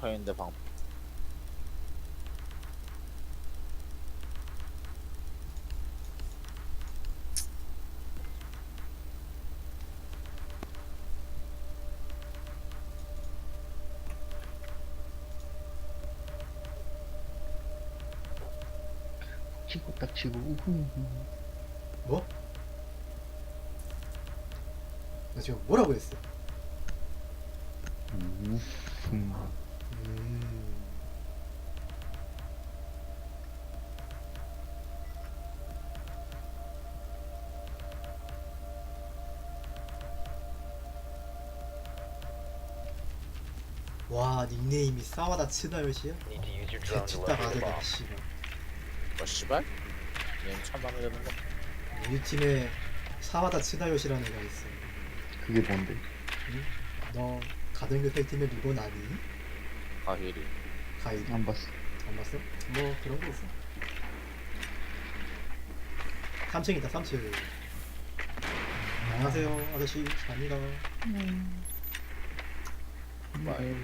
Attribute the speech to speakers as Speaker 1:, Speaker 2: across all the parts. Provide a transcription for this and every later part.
Speaker 1: 있는데 방.
Speaker 2: 치고 딱 치고 우후.
Speaker 3: 뭐? 나 지금 뭐라고 했어?
Speaker 2: 우후.
Speaker 3: 음. 와, 닉네임이 싸워다 치다요시야?
Speaker 4: Need to use your drone to
Speaker 3: 개치다
Speaker 4: locate the
Speaker 3: 가드다
Speaker 4: bomb.
Speaker 3: 씨발.
Speaker 1: 뭐 씨발? 얘는 참 마음에 드는 거.
Speaker 3: 우리 팀에 사와다 치다요시라는 애가 있어.
Speaker 2: 그게 뭔데?
Speaker 3: 응? 너 가등교태 팀의 리본 아니?
Speaker 1: 가히리.
Speaker 3: 가이
Speaker 2: 안 봤어.
Speaker 3: 안 봤어? 뭐 그런 게 있어. 3층 있다 3층. 안녕하세요 아저씨 아니다.
Speaker 1: 와요.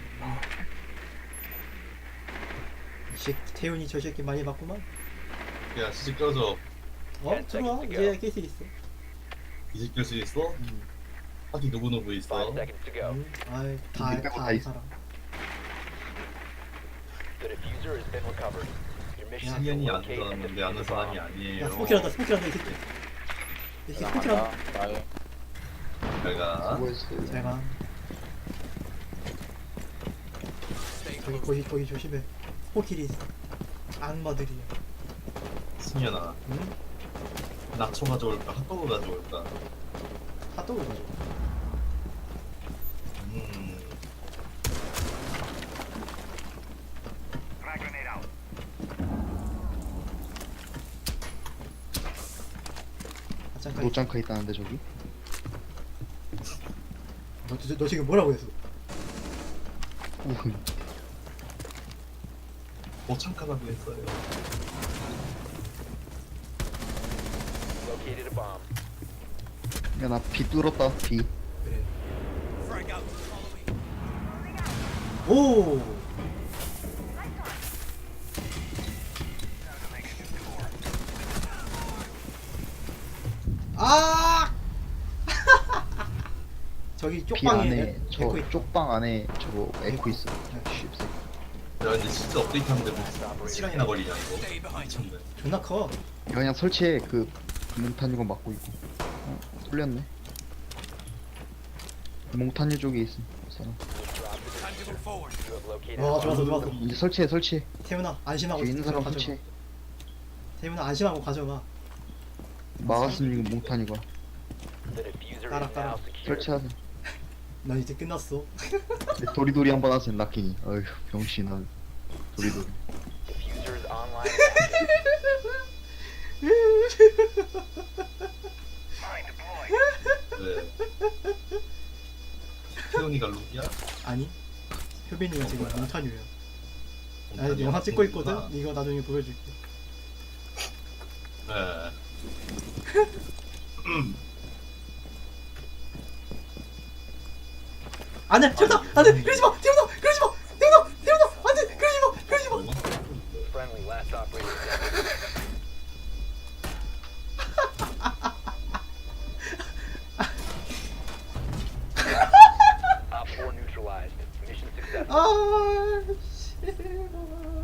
Speaker 3: 이 새끼 태훈이 저 새끼 많이 봤구만.
Speaker 5: 야 시집 껴줘.
Speaker 3: 들어와 이제 깰 수 있어.
Speaker 5: 이집 낄 수 있어? 하기 누구 있어?
Speaker 4: 5 seconds to go.
Speaker 3: 아이 다
Speaker 2: 우리 빼고 다
Speaker 3: 다
Speaker 2: 있어.
Speaker 3: 사람.
Speaker 4: The diffuser has been recovered. Your mission is to
Speaker 5: 신경이 안
Speaker 4: locate and
Speaker 5: 들었는데
Speaker 4: defuse
Speaker 5: 아는
Speaker 4: the
Speaker 5: 사람이
Speaker 4: bomb.
Speaker 5: 아니에요.
Speaker 3: 야 스모킬한다 스모킬한다 이 새끼. 이 새끼 스모킬한다.
Speaker 1: 나간다. 나의
Speaker 5: 내가
Speaker 2: 수고했어요.
Speaker 3: 제가 거기 조심해. 스모킬이 있어. 악마들이야.
Speaker 5: 승현아
Speaker 3: 응?
Speaker 5: 낙초 가져올까 핫도그 가져올까?
Speaker 3: 핫도그 가져.
Speaker 5: 음
Speaker 3: 아짱까지.
Speaker 2: 노짱카 있다는데 저기?
Speaker 3: 너 지금 뭐라고 했어?
Speaker 2: 우후.
Speaker 5: 오창카라고 했어요.
Speaker 4: Located a bomb.
Speaker 2: 야나 비 뚫었다 비.
Speaker 3: 그래. 오. 아! 저기
Speaker 2: 비
Speaker 3: 쪽방에
Speaker 2: 안에 저
Speaker 3: 에코 있.
Speaker 2: 쪽방 안에 저거 에코 있어. 쉽세.
Speaker 5: 야 이제 진짜 업데이트하는데 뭐 시간이나 걸리냐 이거? 미쳤네.
Speaker 3: 존나 커.
Speaker 2: 그냥 설치해 그 몽탄유가 막고 있고. 뚫렸네. 몽탄유 쪽에 있음. 이 사람.
Speaker 4: You have located
Speaker 3: 와
Speaker 4: a bomb.
Speaker 3: 좋았어.
Speaker 2: 이제 설치해.
Speaker 3: 태훈아 안심하고
Speaker 2: 뒤에 있는 사람
Speaker 3: 가져가.
Speaker 2: 설치해.
Speaker 3: 태훈아 안심하고 가져가.
Speaker 2: 막았으면 이거 몽탄유가.
Speaker 4: The diffuser
Speaker 3: 따라,
Speaker 4: is
Speaker 3: 따라.
Speaker 4: now secure.
Speaker 2: 설치하세요.
Speaker 3: 넌 이제 끝났어.
Speaker 2: 도리도리 한번 하세요 락킹이. 어휴 병신아. 도리도리.
Speaker 4: Diffuser is online.
Speaker 5: 왜? 태훈이가 룩이야?
Speaker 3: 아니 효빈이가 지금
Speaker 5: 뭐야?
Speaker 3: 몽타뉴야. 나
Speaker 5: 몽타뉴가
Speaker 3: 영화 찍고 있거든.
Speaker 5: 몽타뉴구나.
Speaker 3: 이거 나중에 보여줄게.
Speaker 5: 네.
Speaker 3: 안돼 태훈아 안돼 그러지 마 태훈아 그러지 마 태훈아 안돼 그러지 마.
Speaker 4: Friendly last operator standing. Op 4 neutralized. Mission successful.
Speaker 3: 아 씨.